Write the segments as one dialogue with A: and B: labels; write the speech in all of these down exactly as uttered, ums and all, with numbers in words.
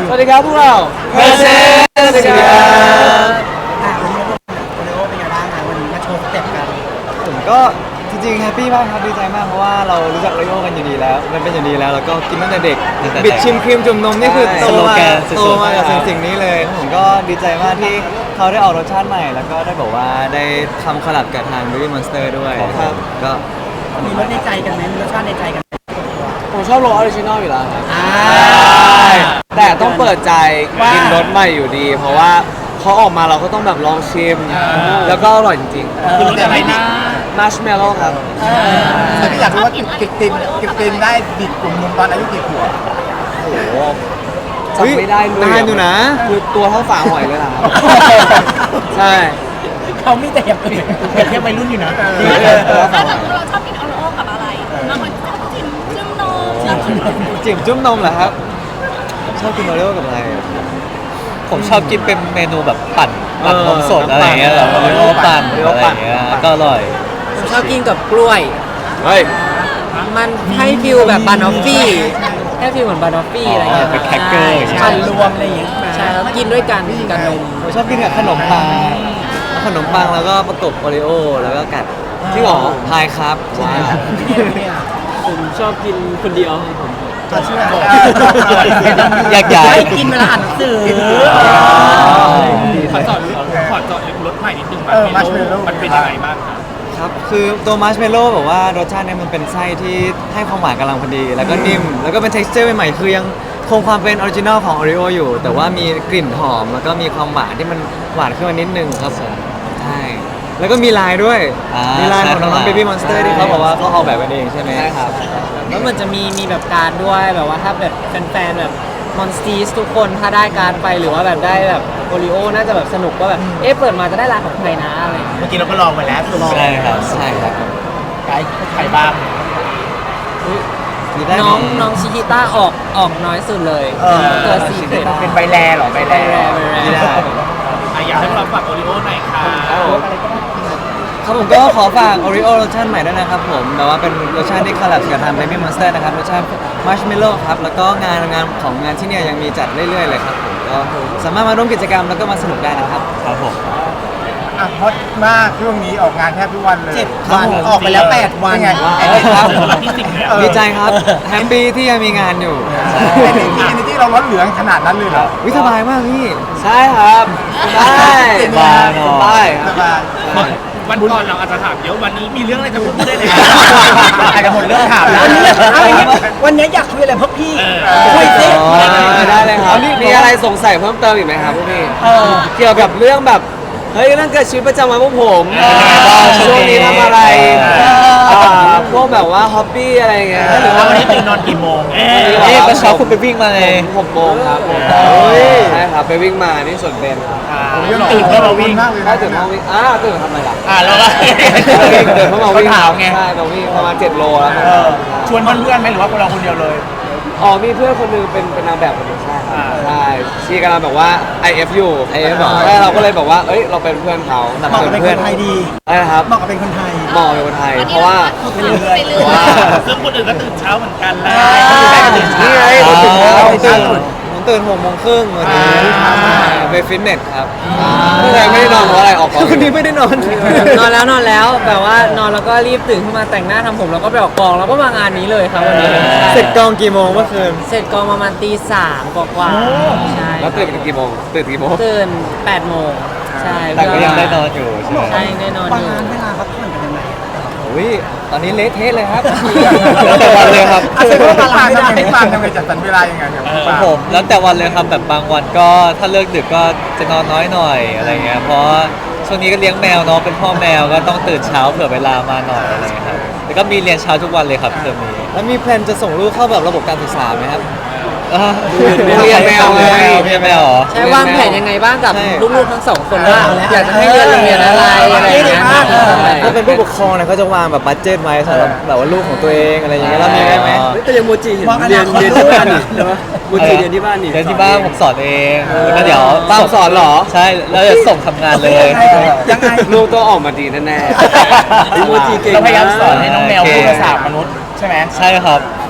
A: สวัสดีครับพวกเราเพอร์เซนต์ครับ
B: อ่ะวันนี้โอเลโอเป็นไงบ้างคะวันนี้มาโชว์สเต็ปกัน
C: ผมก็จริงๆแฮปปี้มากครับดีใจมากเพราะว่าเรารู้จักโอริโอกันอยู่ดีแล้วมันเป็นอย่างดีแล้วแล้วก็กินตั้งแต่เด็กบิดชิมครีมจุ่มนมนี่คือโตมาโตมากับสิ่งสิ่งนี้เลยผมก็ดีใจมากที่เขาได้ออกรสชาติใหม่ แล้วก็ได้บอกว่าได้ทำคอลแลบกับทาง Baby Monster ด้วยครับก็
B: มีรสในใจกันไหมมีรสชาติในใจกันไหม
A: ผมชอบรสออริจินอลอยู่แล้วครับ
B: อ่า
A: แต่ต้องเปิดใจกินรสใหม่อยู่ดี เพราะว่าเขาออกมาเราก็ต้องแบบลองชิม แล้วก็อร่อยจริง
B: คือรสอะไรนะ
A: ๆมาร์ชเมลโล่ครับ
D: แต่พี่อยากรู้ว่ากิบกิบตินกิบตินได้ดิบกลุ่มนมตอนอายุกี่ขวบ
A: โอ้โหจำไม่ได้เลย
C: นานอยู่นะ
A: คือตัวเท่าฝาหอยเลยล่ะ ใช่
B: เขามีแต่อย่างอื่นเปรียบเทียบวัยรุ่นอยู่นะ
E: ถ้าเกิดเราชอบกินโอโลกับอะไรบางคนชอบกินจิ้มนม
C: จิ๋มจุ้มนมเหรอครับ ชอบกินโอริโอกับอะไรอะ
F: ผมชอบกินเป็นเมนูแบบปั่นปั่น
C: เออน
F: มสดอะไรอย่างเงี้ยแบบ
C: น้ำปั่น
F: โอริโอปั่น
C: โอริโอ
F: อะไร
C: ปั่
F: อน ย่างเงี้ย
C: ปั่น
F: ก็อร่อย
G: ผมชอบกินกับกล้วย
A: เฮ้ย
G: มันให้ฟิลแบบบานอฟฟี่ให้ฟิลเหมือนบานอฟฟี่อะไรเงี้ย
F: เป็นแคคเกอร์
G: ใช่
B: ปั่นรวมอะไรอย่างเงี้ย
G: ใช่แล้วกินด้วยกันกับนม
C: ผมชอบกินกับขนมปังเอาขนมปังแล้วก็ประกบโอริโอแล้วก็กัด
A: จริงเหรอ
C: พายครับว้าว
A: ผมชอบกินคนเดียวผม
D: จะเชื่อบอก
F: อยากย้าย
B: ไม่กินเวลาอ่านหนังสือ
H: ขอจอดขอจอดรถใหม่นิดนึง
D: เออมัชเมลโล่
H: มันเป็นยังไงบ้างครับ
C: ครับคือตัวมัชเมลโล่แบบว่ารสชาติเนี่ยมันเป็นไส้ที่ให้ความหวานกำลังพอดี แล้วก็นิ่ม แล้วก็เป็น texture ใหม่ๆคือยังคงความเป็นออริจินอลของโอริโออยู่ แต่ว่ามีกลิ่นหอม แล้วก็มีความหวานที่มันหวานขึ้นมานิดนึงครับผมใช่แล้วก็มีลายด้วย
F: อ่ามี
C: มีลายของน้อง
F: ใช่
C: ๆ Baby Monster ที่เขาบอกว่าเขาออกแบบกันเองใช่ไหม
A: ใช่ครับ
G: แล้วมันจะมีมีแบบการดด้วยแบบว่าถ้าแบบแฟนๆแบบมอนสตีสทุกคนถ้าได้การดไปหรือว่าแบบได้แบบโอริโอน่าจะแบบสนุกว่าแบบเอ๊ะเปิดมาจะได้ลายของใครนะอะไรอย่างเงี้ย
D: เมื่อกี้เราก็ลองไปแล้วลอง
F: ใช่ครับ
C: ใช่ครับ
D: ไกด์ใครบ้าง
C: มีได้
G: น้องน้องชิคิต้าออกออกน้อยสุดเลย
D: เออ
G: ตัวซีเค็ด
D: เป็นใบแลเหรอใบแล
C: ไม่ได้
H: อ่ะอยากให้พวกเราฝากโอริโอหน่อยค่ะ
C: ครับผมก็ขอฝาก Oreo รสชาติใหม่ด้วยนะครับผมแบบว่าเป็นรสชาติที่คอลแลบกับทาง Baby Monster นะครับรสชาติ Marshmallow ครับแล้วก็งานงานของงานที่เนี่ยยังมีจัดเรื่อยๆเลยครับผมก็สามารถมาร่วมกิจกรรมแล้วก็มาสนุกได้นะครับ
F: ครับผม
D: อ่ะฮอตมากช่วงนี้ออกงานแทบทุกวันเลย
B: เจ็ดวันออกไปแล้วแปดวัน
D: เป็นไง
C: เอ้ยครับ
H: วันที่สิบเนี่ย
C: ดีใจครับแฮปปี้ที่ยังมีงานอยู่
D: เอเนจีเอเนจีเราล้นเหลืองขนาดนั้นเลยเหรอ
C: วิสบายมากพี่
A: ใช่ครับใช่
F: สบายเนอะ
A: ใช่
D: สบาย
H: วันก่อนเราอาจจะถามเยอะวันนี้มีเรื่องอะไรจะพูดได้เลย
D: อาจจะหมดเรื่องถามแล้ว
B: วันนี้เอาอย่างเงี้ยวันนี้อยากคุยอะไรพวกพี่
H: เออ
B: คุยสิ
C: อ๋อ
A: ได้เลยครับมีอะไรสงสัยเพิ่มเติมอีกไหมครับพวกพี่เกี่ยวกับเรื่องแบบเฮ้ยเรื่องเกิดชีวิตประจำวันพวกผมช่วงนี้ทำอะไรอ่าพวกแบบว่าฮ็อบบี้อะไรเงี้ยหรือว่า
H: วันนี้ตื่นนอนกี่โมง
F: เอ๊ะเมื่อเช้าคุณไปวิ่งมาไง
A: หกโมงครับผมใช่ครับไปวิ่งมาที่สวนเบนครับ
D: ผมยังตื่นเพื่อมาวิ่ง
A: ถ้าตื่นมาวิ่งอ่าตื่นทำไมล่ะ
D: อ่าแล้วก็
A: ตื่นเพื่อมาวิ่ง
D: ถามไง
A: ใช่มาวิ่งประมาณเจ็ดโลแล้วครับ
D: ชวนเพื่อนๆไหมหรือว่าเราคนเดียวเลย
A: อ๋อมีเพื่อนคนหนึงเป็นเป็นนางแบบคนหนึงใช่ครับ
D: อ่า
A: ใช่ชีกำลังแบบว่า ไอ เอฟ อยู่
C: ไอ เอฟ เหรอ
A: ใช่เราก็เลยบอกว่าเอ้ยเราเป็นเพื่อนเขา
B: เหมาะกับเป็นคนไทยดี
A: ใช่ครับ
B: เหมาะกับเป็นคนไทย
A: เหมาะเป็นคนไทย เพราะว่า
E: ไปเรื่อยไปเรื่อย
H: ซึ่งคนอื่นก็ตื่นเช้าเหมือนกันแหละ
A: นี่ไงเราตื่นเช้า
C: ตื่นผมตื่นหกโมงครึ่งวันนี้ไปฟิตเนสครับ
A: ไม่ได้ไม่ได้นอนเพราะอะไรออกกอง
C: วันนี้ไม่ได้นอน
G: นอนแล้วนอนแล้วแบบว่านอนแล้วก็รีบตื่นขึ้นมาแต่งหน้าทำผมแล้วก็ไปออกกองแล้วก็มางานนี้เลยครับวันนี้
C: เสร็จกองกี่โมงเมื่อคืน
G: เสร็จกองประมาณตีสามกว่าๆใช่
A: แล้วตื่นกันกี่โมงตื่นกี่โมง
G: ตื่นแปดโมงใช่
F: แต่ก็ยังได้นอนอยู่ใช่ไหม
G: ใช่ได้นอน
B: บาง
G: อยู่
B: งานเวลาพักผ่อนกันยังไง
C: อุ้ยตอนนี้เละเทะเลยครับ
F: แล้วแต่วันเลยครับ
D: อ่ะแสดงว่าปางทำไงพี่ปางทำไงจัดสรรเวลายังไงเนี่ยพี่
F: ข
D: ปา
F: อง
D: ง
F: ผมแล้วแต่วันเลยครับแบบบางวันก็ถ้าเลิกดึกก็จะนอนน้อยหน่อยอะไรเงี้ยเพราะช่วงนี้ก็เลี้ยงแมวเนาะเป็นพ่อแมวก็ต้องตื่นเช้าเผื่อเวลามาหน่อยอะไรเงี้ยครับแล้วก็มีเรียนเช้าทุกวันเลยครับเทอมนี้
C: แล้วมีแพลนจะส่งลูกเข้าแบบระบบการศึกษาไหมครับ
F: อ่ะ
A: เรียนแมวไง
F: เรียนแมวเหรอ
G: ใช่วางแผนยังไงบ้างกับ
C: ใช่
G: ลูกๆทั้งสองคนว่าอยากจะให้เรียนโรงเรียนอะไรอะไรอย่างเงี้ย
C: ถ้าเป็นผู้ปกครองเนี่ยเขาจะวางแบบบัตเจ็ตไว้สำหรับแบบว่าลูกของตัวเองอะไรอย่างเงี้ยเรามีไหมไหม
A: แต่ยังโมจิเห็น
B: มองอ
A: เรีย
B: นาน คต
A: เรียนที่บ้านนี่ใช่ไหมโมจิเรียนที่บ้านนี่
F: เรียนที่บ้านผมสอนเองแล้วเดี๋ยว
A: ตามสอนเหรอ
F: ใช่แล้วจะส่งทำงานเลย
B: ยังไง
A: ลูกต้องออกมาดีแน่ๆโมจิเก่ง
D: เราพยายามสอนให้น้องแมว
F: โอเค
D: พูดภาษามนุษย์ใช่ไหม
F: ใช่ครับ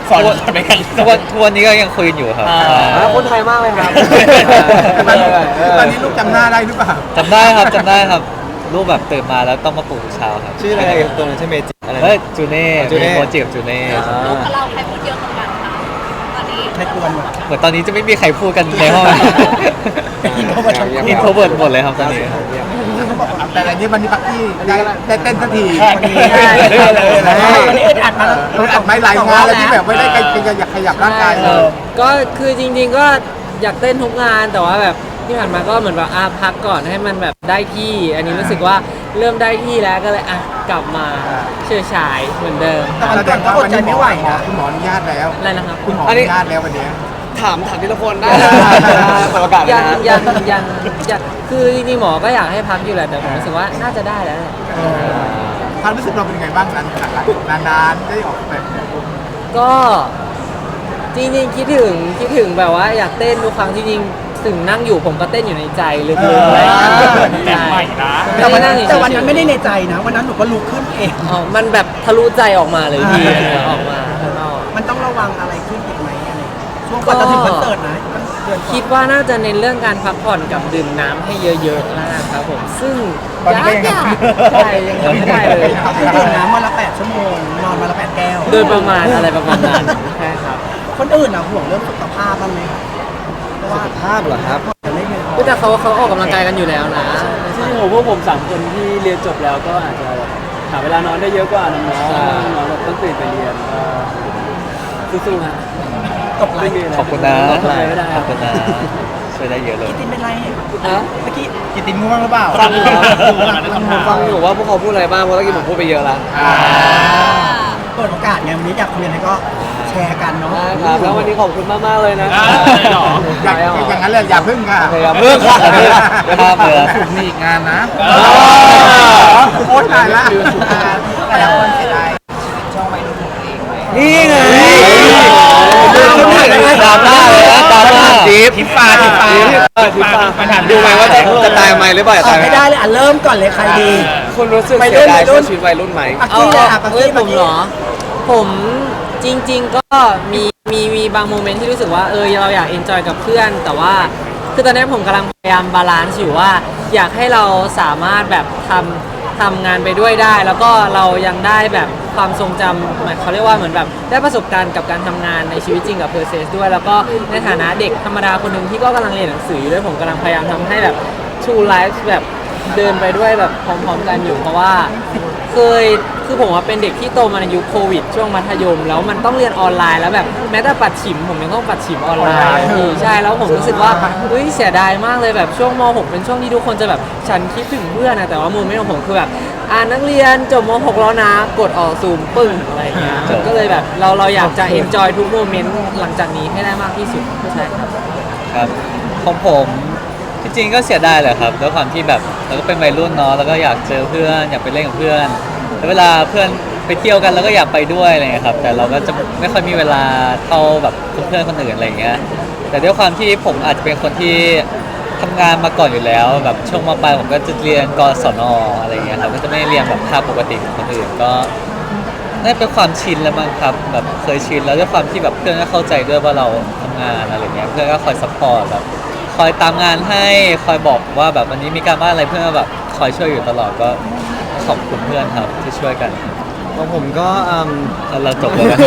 D: สอนไปกัน
F: ทุกวันทุกวันนี้ก็ยังคุยกันอยู่ครับ
G: อ่า
F: ใช่
A: อ่าคนไทยมากเลยครับ
D: ตอนนี้ตอนนี้ลูกจำหน้าได้หรือเปล่า
F: จำได้ครับจำได้ครับรูปแบบตื่นมาแล้วต้องมาปลุกทุกเช้าครับ
C: ชื่ออะไรตัวนั้นชื่อเมจิอะไรนะ
F: เฮ้ยจูเน่
C: จูเน่
F: มีโปรเจกต์จูเน่
E: ลูกกับเราใครพูดเยอะกว่ากันคะตอนนี้
B: ในกวนหมด
F: เหมือนตอนนี้จะไม่มีใครพูดกันในห้อง
B: อินโทรเวิร์ตทั้งคู่
F: อินโทรเวิร์ดหมดเลยครับตอนนี้
D: แต่อันนี้วันนี้ปักกี้ได้ได้เต้นสักที
B: วันนี้ได้เลยวันนี้อึดอัดมาแล้ว
D: เราอัดไม้หลายงานแล้วที่แบบไม่ได้ขยับขยับร่างกายเลย
G: ก็คือจริงๆก็อยากเต้นทุกงานแต่ว่าแบบที่ผ่านมาก็เหมือนแบบอาพักก่อนให้มันแบบได้ที่ อันนี้รู้สึกว่าเริ่มได้ที่แล้วก็เลยอ่ะกลับมาเชื่อฉายเหมือนเดิม
B: แต่วันก่อนก็อดใจไม่ไหวนะ
D: คุณหมออนุญาตแล้ว
G: อะไรนะครับ
D: คุณหมออนุญาตแล้ววันนี้
A: ถามถามทีละคนได้เปิดโอกาสเลย
G: ยัง
A: นะ
G: ยังยังยังคือจริงๆหมอก็อยากให้พักอยู่แหละแต่ผมรู้สึกว่าน่าจะได้แล้วแหละ
D: ความรู้สึกเราเป็นยังไงบ้างนานนานๆได้ออกแบบ
G: ก็จริงๆคิดถึงคิดถึงแบบว่าอยากเต้นทุกครั้งที่จริงถึงนั่งอยู่ผมก็เต้นอยู่ในใจลึกๆอะไรอย่างเงี้ย
H: แบบใหม่นะ
B: แต่วัน
G: ไม่ได้
B: นั้น
G: งเฉยๆ
B: แต่วันนั้นไม่ได้ในใจนะ วันนั้นหนูก็ลุกขึ้นเอง
G: อ๋อมันแบบทะลุใจออกมาเลยพี่ออกมาข้างนอก
B: มันต้องระวังอะไรขึ้นอีกไหมอะไรช่วงก่อนจะถึงคอนเสิร์ตนะเดือนก่อน
G: คิดว่าน่าจะเน้นเรื่องการพักผ่อนกับดื่มน้ำให้เยอะๆนะครับผมซึ่ง
D: ตอนนี้ก็ยัง
G: ยากๆใช่ยังทำไม่ได้เลย
B: คือดื่มน้ำวันละแปดชั่วโมง นอนวันละแปดแก้ว
G: โดยประมาณอะไรประมาณนั้นใช่ครับ
B: คนอื่นอะห่วงเรื่องสุขภาพบ้างไหมครับเพราะว่า
C: ภาพเหรอครับ
B: จะไม่เพียงพอ
G: แต่เขาเขาออกกำลังกายกันอยู่แล้วนะ
I: จริงๆผมพวกผมสามคนที่เรียนจบแล้วก็อาจจะหาเวลานอนได้เยอะกว่าน้องๆน้องๆแบบต้องตื่นไปเรียนก็สู้ๆฮะ
B: ตกไหล
I: ไม่มีอะไร
F: ขอบคุณนะ
I: ตกใจไม่ได้
F: ขอบคุณนะช่วยได้เยอะเลย
B: กินเป็นไร
A: ฮะ
B: เมื่อกี้
D: กินติมง่วงหรือเปล่า
A: ฟังอยู่ผมฟังอยู่ว่าพวกเขาพูดอะไรบ้างเพราะเมื่อกี้ผมพูดไปเยอะแล้ว
D: อ่า
B: เปิดโอกาสไงวันนี้อยากคุยอะไรก็แชร์กันเนาะ
A: ได้ครับแล้ววันนี้ขอบคุณมากๆเลยนะ
H: อ่าหรอ
D: อยากอย่างนั้นเลยอย่าพึ่งค่ะ
A: โอเคครับเพิ่งค่ะ
F: ภาพเลย
D: ผมมีอีกงานนะ
H: อ๋อ
D: โอ๊ยตายละแต่ละคนเสียดาย
A: นี่ไง
F: ดราม่าเลยนะดราม่า
A: จิ๊บ
D: ทิปปาทิปปา
A: ทิปปาดูไหมว่าจะจะตายไหมหรือเปล่าจะ
B: อ่ะ
A: ตายไหม
B: ไม่ได้เลยอ่ะเริ่มก่อนเลยใครดี
A: คุณรู้สึก
B: วัยรุ่
A: เสีย
B: น
A: ดาย
B: วัยรุ่น
A: ชีวิตวัยรุ่นไหม
B: ปัก
G: เอา
B: กี้เลยอ่ะปัก
G: เอ้ย
B: กี้
G: ผ
B: ปัก
G: ม
B: กี้
G: เหรอ ผมจริง ๆ ก็มีมีมีบางโมเมนต์ที่รู้สึกว่าเออเราอยากเอนจอยกับเพื่อน แต่ว่าคือตอนนี้ผมกำลังพยายามบาลานซ์อยู่ว่า อยากให้เราสามารถแบบทำทำงานไปด้วยได้ แล้วก็เรายังได้แบบความทรงจำเหมือนเขาเรียกว่าเหมือนแบบได้ประสบการณ์กับการทำงานในชีวิตจริงกับเพอร์เซสด้วย แล้วก็ในฐานะเด็กธรรมดาคนหนึ่งที่ก็กำลังเรียนหนังสืออยู่ด้วยผมกำลังพยายามทำให้แบบ True Life แบบเดินไปด้วยแบบพร้อมๆกันอยู่ เพราะว่าเคยคือผมว่าเป็นเด็กที่โตมาในยุคโควิดช่วงมัธยม แล้วมันต้องเรียนออนไลน์แล้วแบบแม้แต่ปัดฉิมผมยังต้องปัดฉิมออนไลน์พี่ใช่แล้วผมรู้สึกว่าเฮ้ยเสียดายมากเลยแบบช่วงม .หก เป็นช่วงที่ทุกคนจะแบบฉันคิดถึงเพื่อนนะแต่ว่าโมเมนต์ของผมคือแบบอ่านนักเรียนจบม .หก แล้วนะกดออกซูมปึ้งอะไรอย่างเงี้ยก็เลยแบบเราเราอยากจะ enjoy ทุกโมเมนต์หลังจากนี้ให้ได้มากที่สุดใช่ครับ
F: ครับของผมที่จริงก็เสียดายแหละครับด้วยความที่แบบเราก็เป็นวัยรุ่นเนาะแล้วก็อยากเจอเพื่อนอยากไปเล่นกับเพื่อนแล้วเวลาเพื่อนไปเที่ยวกันเราก็อยากไปด้วยอะไรเงี้ยครับแต่เราก็จะไม่ค่อยมีเวลาเท่าแบบเพื่อนๆคนอื่นอะไรเงี้ยแต่ด้วยความที่ผมอาจจะเป็นคนที่ทำงานมาก่อนอยู่แล้วแบบช่วงมปลายผมก็จะเรียนกศนอะไรเงี้ยครับก็จะไม่ได้เรียนแบบภาคปกติของคนอื่นก็น่าจะเป็นความชินแล้วมั้งครับแบบเคยชินแล้วด้วยความที่แบบเพื่อนก็เข้าใจด้วยว่าเราทำงานอะไรเงี้ยเพื่อนก็คอยซัพพอร์ตแบบคอยตามงานให้คอยบอกว่าแบบวันนี้มีการบ้านอะไรเพื่อนก็แบบคอยช่วยอยู่ตลอดก็ขอบคุณเพื่อนครับที่ช่วยกัน
C: ของผมก็อืม
F: แล้วเราจบแล้วนะ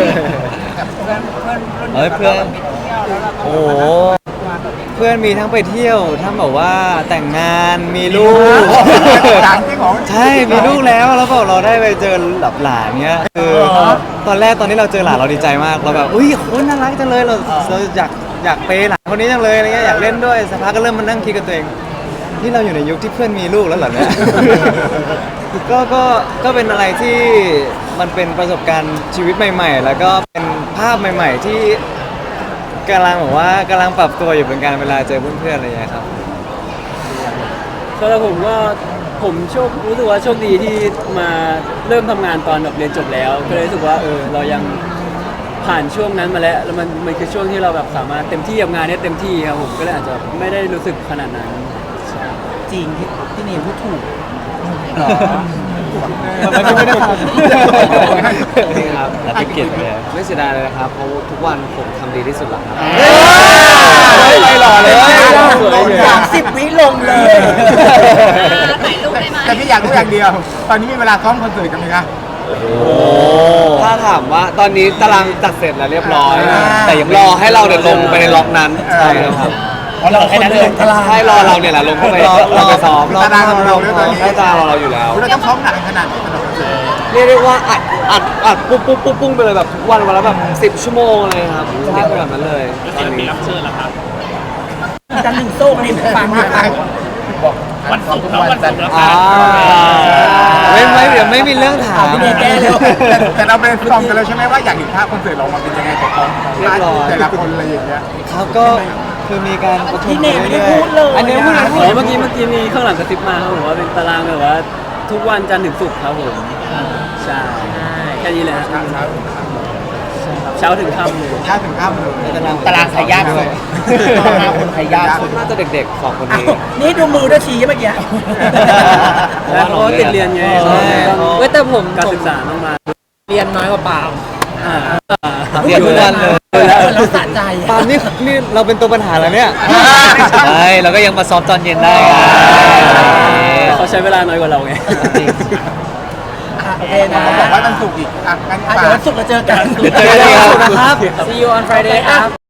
F: เฮ้ยเพื่อน
C: โอ้โหเพื่อนมีทั้งไปเที่ยวทั้งแบบว่าแต่งงานมีลูก
D: ต่างที่ของ
C: ใช่มีลูกแล้วแล้วบอกเราได้ไปเจอหลับหลานเนี้ยคือตอนแรกตอนที่เราเจอหลานเราดีใจมากเราแบบอุ้ยโคตรน่ารักจังเลยเราเราอยากอยากเปย์หลานคนนี้จังเลยอะไรเงี้ยอยากเล่นด้วยสักพักก็เริ่มมานั่งคิดกับตัวเองที่เราอยู่ในยุคที่เพื่อนมีลูกแล้วเหรอเนี่ย ก็ก็ก็เป็นอะไรที่มันเป็นประสบการณ์ชีวิตใหม่ ๆ แล้วก็เป็นภาพใหม่ ๆ ที่กำลังแบบว่ากำลังปรับตัวอยู่เป็นการเวลาเจอเพื่อนๆอะไรอย่างเงี้ยครับ
I: สำหรับผมก็ผมโชครู้สึกว่าโชคดีที่มาเริ่มทำงานตอนแบบเรียนจบแล้ว ก็เลยรู้สึกว่าเออเรายังผ่านช่วงนั้นมาแล้วแล้วมันมันคือช่วงที่เราแบบสามารถเต็มที่กับงานได้เต็มที่ครับผมก็เลยอาจจะไม่ได้รู้สึกขนาดนั้นใช่
B: จริงที่ที่เนมพูดถูก
D: หรอ
C: มันก็ไม่ได้ท
A: นี่ครับ
F: รับไปเกียรติไปแล้ว
A: ไม่เสียดายเลยนะครับเพราะทุกวันผมทำดีที่สุดแล้วครับ
C: ไม่หล่อเลย
B: สามสิบวิลงเลย
E: ถ่ายรูปได้ไหม
D: แต่พี่อยากรู้อย่างเดียว ตอนนี้มีเวลาซ้อมคอนเสิร์ตกันไหมคะ
A: ถ้าถามว่าตอนนี้ตารางจัดเสร็จแล้วเรียบร้อย
D: อ่า
A: แต่ยังรอให้เราเดินลงไปในล็อกนั้นใช่ครับ
B: เพราะเราคนเดินทลาย
A: ให้รอเราเนี่ยแหละลงเข้าไปลงไปซ้อม
D: ตารางเราด้วยตอนนี้
A: ให้ตารางเราอยู่แล้ว
D: เราต้องซ้อมหนักขนาดไหนสำหรับคอนเสิร์ต
A: เรียกได้ว่าอัดอัดอัดปุ๊บปุ๊บปุ๊บปุ้งไปเลยแบบทุกวันวันละแบบสิบชั่วโมงเลยครับติดแบบนั้นเลยตอนนี้
B: จันหนึ่งโซ่นี่ฟังมาก
H: วันศุกร์แล้ววันศุกร์แล้ว
A: อ่า
C: ไม่ไม่เดี๋ยวไม่มีเรื่องถาม
B: พี่เนยแก้เร็ว
D: แต่แต่เราเป็นฟอร์มกันแล้วใช่ไหมว่าอยากเห็นภาพคอนเสิร์ตเรามาเป็นยังไงของเขาแต่ละคนอะไรอย่างเงี้ย
C: ครับก็คือมีการประชุม
B: พี่เนยไม่ได้พูดเลย
C: อันนี้พูด
B: นะ
C: พู
I: อ๋
C: ด
I: อเมื่อกี้เมื่อกี้มีข้างหลังกระซิบมาครับผมว่าเป็นตารางแบบว่าทุกวันจันทร์ถึงศุกร์ครับผมใช่แค่นี้แหละครับเช้าถึงค่ำเลย
D: ถ้าถึงข้ามเลย
C: ตารางใครยากสุด
D: คนไทยยากสุด
A: น่าจะเด็กๆสองคนนี้
B: นี่ดูมือด้วยชี้เมื่อกี้
I: แล้วเขาก็ติดเรียนไง
C: ใช่
G: เว้ยแต่ผม
I: การ
G: ผม
I: ศึกษาต้องมา
G: เรียนน้อยกว่าปาล์ม
I: อ่า
C: เรียนทุกวันเลย
B: เราสะใจ
C: ปาล์มนี่นี่เราเป็นตัวปัญหาแล้วเนี่ย
F: ใช่เราก็ยังมาซ้อมตอนเย็นได้ไง
I: เขาใช้เวลาน้อยกว่าเราไง
B: โอเคนะ
D: เขาบอกว่ามันสุกร์อีกอ่ะงั้น
B: อ่ะ
D: ฝา
B: เดี๋ยว
D: ก
B: วันศุกร์เราเจอกัน
C: เจอกันครับ
G: See you on Friday ครับ